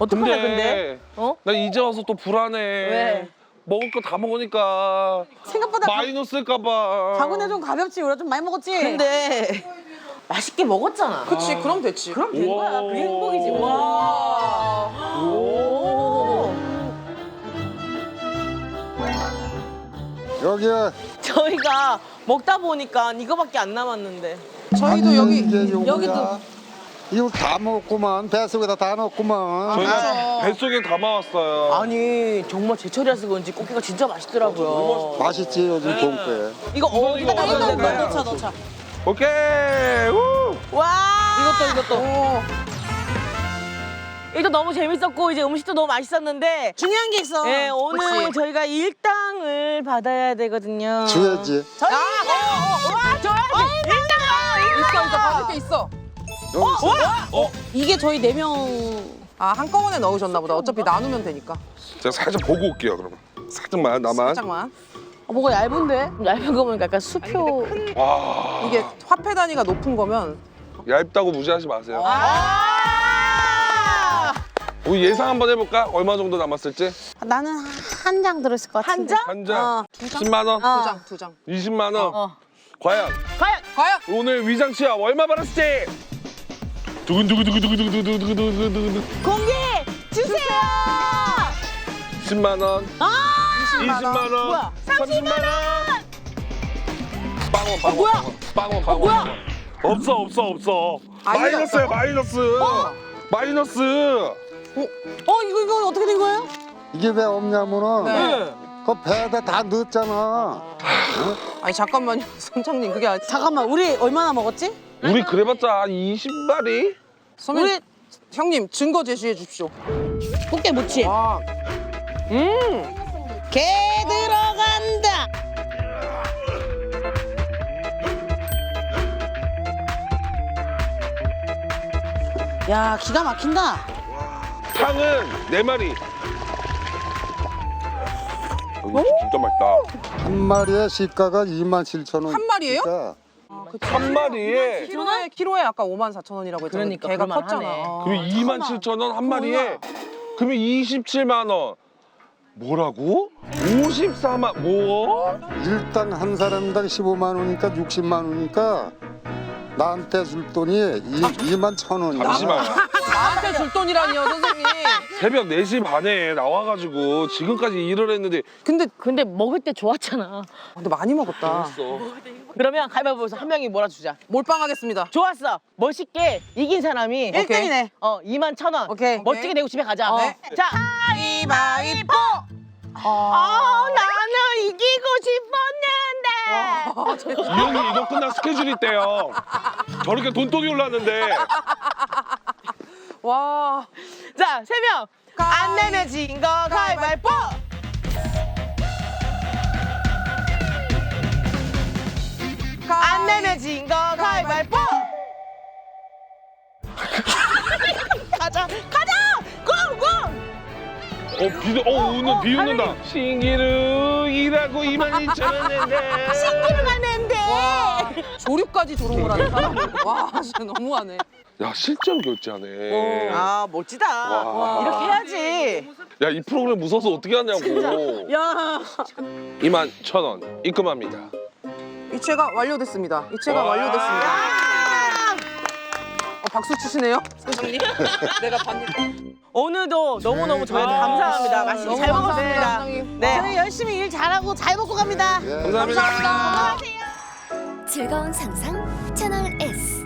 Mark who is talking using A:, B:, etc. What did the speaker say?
A: 어떡하냐 근데? 어?
B: 나 이제 와서 또 불안해.
A: 왜?
B: 먹을 거 다 먹으니까
C: 생각보다
B: 마이너스일까봐.
C: 가구네 좀 가볍지. 우리가 좀 많이 먹었지.
A: 근데 맛있게 먹었잖아.
D: 그치, 그럼 됐지.
A: 그럼 된 거야. 그게 행복이지. 와. 오.
E: 여기야.
A: 저희가 먹다 보니까 이거밖에 안 남았는데.
D: 저희도 여기
E: 이게 요거야.
C: 여기도.
E: 이거 다 먹었구만. 뱃속에다 다 넣었구만.
B: 저희가 뱃속에 담아왔어요.
A: 아니 정말 제철이라서 그런지 꽃게가 진짜 맛있더라고요.
E: 맛있지 요즘 봄에.
A: 이거 어디다
B: 이거
A: 담으면
B: 어디다
A: 될까요?
C: 넣자.
B: 오케이. 우!
A: 와.
C: 이것도.
A: 이거 너무 재밌었고 이제 음식도 너무 맛있었는데.
C: 중요한 게 있어.
A: 네, 오늘
C: 그치?
A: 저희가 일당을 받아야 되거든요.
E: 줘야지.
A: 저희 와, 줘야지. 일당.
D: 있어, 받을 게 있어.
E: 여기 있어.
C: 이게 저희 4명.
D: 아, 한꺼번에 넣으셨나 보다. 어차피 나누면 되니까.
B: 제가 살짝 보고 올게요 그러면. 살짝만 나만.
D: 살짝만.
C: 뭐가 얇은데?
A: 얇은 거 보니까 약간 수표.
B: 와.
D: 이게 화폐 단위가 높은 거면
B: 얇다고 무시하지 마세요.
A: 아!
B: 우리 예상 한번 해볼까? 얼마 정도 남았을지?
C: 나는 한 장 들었을 것
A: 한
C: 같은데.
A: 장?
B: 한 장? 10만 원?
C: 어.
D: 두 장.
B: 20만 원? 과연
A: 과연
D: 과연
B: 오늘 위장치약 얼마 받았을지? 두근두근두근두근두근두근두근두근
A: 공개 주세요.
B: 10만 원, 20만 원,
A: 뭐야?
B: 30만 원. 빵원, 빵원,
A: 뭐야?
B: 빵원, 빵원.
A: 뭐야?
B: 없어.
D: 아니야,
B: 마이너스야,
D: 없다고?
B: 마이너스. 마이너스.
C: 이거 어떻게 된 거예요?
E: 이게 왜 없냐면은
D: 네.
E: 그 배에다 다 넣었잖아.
D: 아니 잠깐만요, 선장님 그게 아니.
C: 잠깐만, 우리 얼마나 먹었지?
B: 우리 그래봤자 한 20마리?
D: 선배님, 형님 증거 제시해 주십시오.
C: 꽃게 무치.
D: 와,
C: 개 들어간다. 야, 기가 막힌다.
B: 탕은 4마리. 이거 진짜 맛있다.
E: 한 마리의 시가가 27,000원.
D: 한 마리예요?
E: 그러니까
B: 한 마리에
D: 키로에 아까 54,000원이라고 했잖아요.
A: 그러니까
D: 개가
A: 그럴만하네.
D: 컸잖아.
B: 그러면 27,000원 한 마리에 그러면 27만 원. 뭐라고? 54만 뭐?
E: 일당 한 사람당 15만 원이니까 60만 원이니까 나한테 줄 돈이 21,000원이야.
B: 잠시만.
D: 나한테 줄 돈이라니요, 선생님.
B: 새벽 4시 반에 나와가지고 지금까지 일을 했는데
A: 근데 먹을 때 좋았잖아.
D: 근데 많이 먹었다.
A: 그러면 가위바위보에서 한 명이 몰아주자.
D: 몰빵하겠습니다.
A: 좋았어. 멋있게 이긴 사람이
C: 1등이네.
A: 21,000원.
C: 오케이.
A: 멋지게 내고 집에 가자.
D: 네.
A: 자,
C: 가위바위보.
A: 나는 이기고 싶었는데.
B: 이 형이 이거 끝나 스케줄 있대요. 저렇게 돈독이 올랐는데
D: 와,
A: 자, 3명. 안 내면 진 거 가위바위보. 안 내면 진 거 가위바위보. 가자. 고!
B: 오늘 비 웃는다. 신기루 일하고 22,000원 낸대.
A: 신기루가 낸대.
D: 조류까지 조롱을 하는 사람. 와, 진짜 너무하네.
B: 야 실제로 결제하네.
A: 아, 멋지다.
B: 와.
A: 이렇게 해야지.
B: 야 이 프로그램 무서워서 어떻게 하냐고.
A: 야.
B: 21,000원 입금합니다.
D: 이체가 완료됐습니다. 이체가 완료됐습니다. 박수 치시네요, 선생님. 내가 받는.
A: 오늘도 너무너무 저희한테 감사합니다. 맛있게
D: 너무
A: 잘
D: 감사합니다,
A: 먹었습니다.
D: 선생님.
A: 네.
C: 저희 열심히 일 잘하고 잘 먹고 갑니다.
E: 예.
B: 감사합니다.
D: 감사합니다.
F: 즐거운 상상 채널 S